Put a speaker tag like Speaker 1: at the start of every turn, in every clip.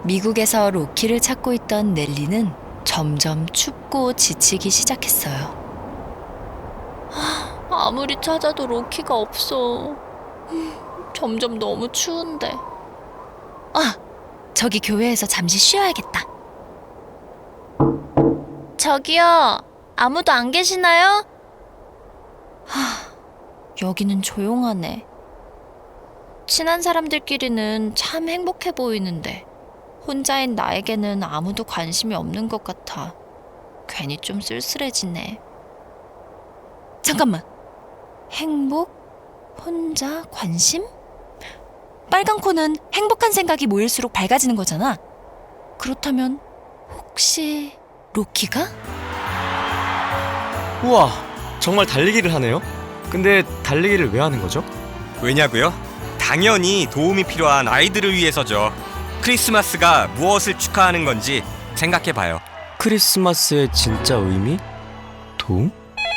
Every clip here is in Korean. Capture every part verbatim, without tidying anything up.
Speaker 1: 미국에서 로키를 찾고 있던 넬리는 점점 춥고 지치기 시작했어요. 아무리 찾아도 로키가 없어. 점점 너무 추운데. 아, 저기 교회에서 잠시 쉬어야겠다. 저기요, 아무도 안 계시나요? 하, 여기는 조용하네. 친한 사람들끼리는 참 행복해 보이는데 혼자인 나에게는 아무도 관심이 없는 것 같아. 괜히 좀 쓸쓸해지네. 잠깐만. 행복? 혼자? 관심? 빨간 코는 행복한 생각이 모일수록 밝아지는 거잖아. 그렇다면 혹시 로키가?
Speaker 2: 우와, 정말 달리기를 하네요. 근데 달리기를 왜 하는 거죠?
Speaker 3: 왜냐고요? 당연히 도움이 필요한 아이들을 위해서죠. 크리스마스가 무엇을 축하하는 건지 생각해봐요.
Speaker 2: 크리스마스의 진짜 의미? 도움?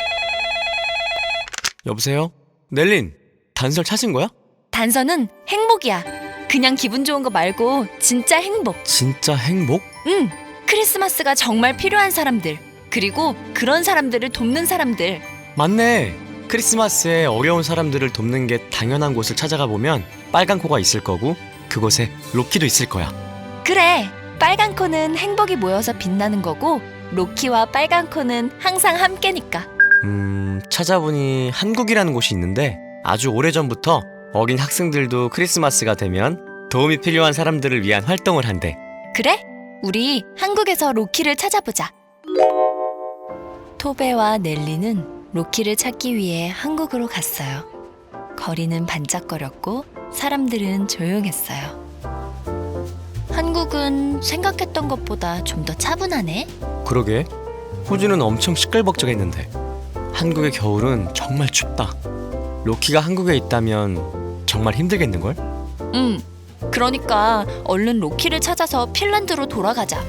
Speaker 2: 여보세요? 넬린, 단서를 찾은 거야?
Speaker 1: 단서는 행복이야. 그냥 기분 좋은 거 말고 진짜 행복.
Speaker 2: 진짜 행복?
Speaker 1: 응, 크리스마스가 정말 필요한 사람들, 그리고 그런 사람들을 돕는 사람들.
Speaker 2: 맞네. 크리스마스에 어려운 사람들을 돕는 게 당연한 곳을 찾아가 보면 빨간 코가 있을 거고 그곳에 로키도 있을 거야.
Speaker 1: 그래, 빨간 코는 행복이 모여서 빛나는 거고 로키와 빨간 코는 항상 함께니까.
Speaker 2: 음... 찾아보니 한국이라는 곳이 있는데 아주 오래전부터 어린 학생들도 크리스마스가 되면 도움이 필요한 사람들을 위한 활동을 한대.
Speaker 1: 그래? 우리 한국에서 로키를 찾아보자. 토베와 넬리는 로키를 찾기 위해 한국으로 갔어요. 거리는 반짝거렸고 사람들은 조용했어요. 한국은 생각했던 것보다 좀 더 차분하네.
Speaker 2: 그러게, 호주는 엄청 시끌벅적했는데 한국의 겨울은 정말 춥다. 로키가 한국에 있다면 정말 힘들겠는걸?
Speaker 1: 응, 그러니까 얼른 로키를 찾아서 핀란드로 돌아가자.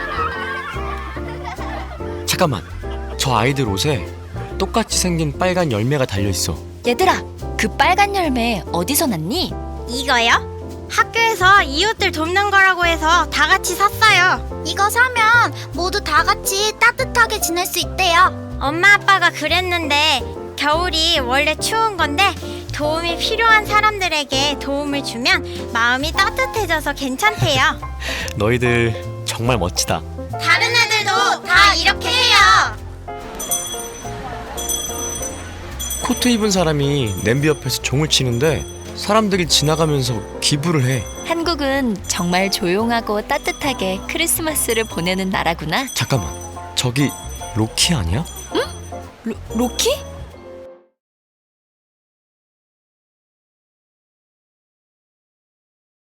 Speaker 2: 잠깐만, 저 아이들 옷에 똑같이 생긴 빨간 열매가 달려있어.
Speaker 1: 얘들아, 그 빨간 열매 어디서 났니?
Speaker 4: 이거요? 학교에서 이웃들 돕는 거라고 해서 다 같이 샀어요. 이거 사면 모두 다 같이 따뜻하게 지낼 수 있대요. 엄마 아빠가 그랬는데 겨울이 원래 추운 건데 도움이 필요한 사람들에게 도움을 주면 마음이 따뜻해져서 괜찮대요.
Speaker 2: 너희들 정말 멋지다.
Speaker 4: 다른 애들도 다 이렇게 해요.
Speaker 2: 코트 입은 사람이 냄비 옆에서 종을 치는데 사람들이 지나가면서 기부를 해.
Speaker 1: 한국은 정말 조용하고 따뜻하게 크리스마스를 보내는 나라구나.
Speaker 2: 잠깐만, 저기 로키 아니야?
Speaker 1: 로, 로키?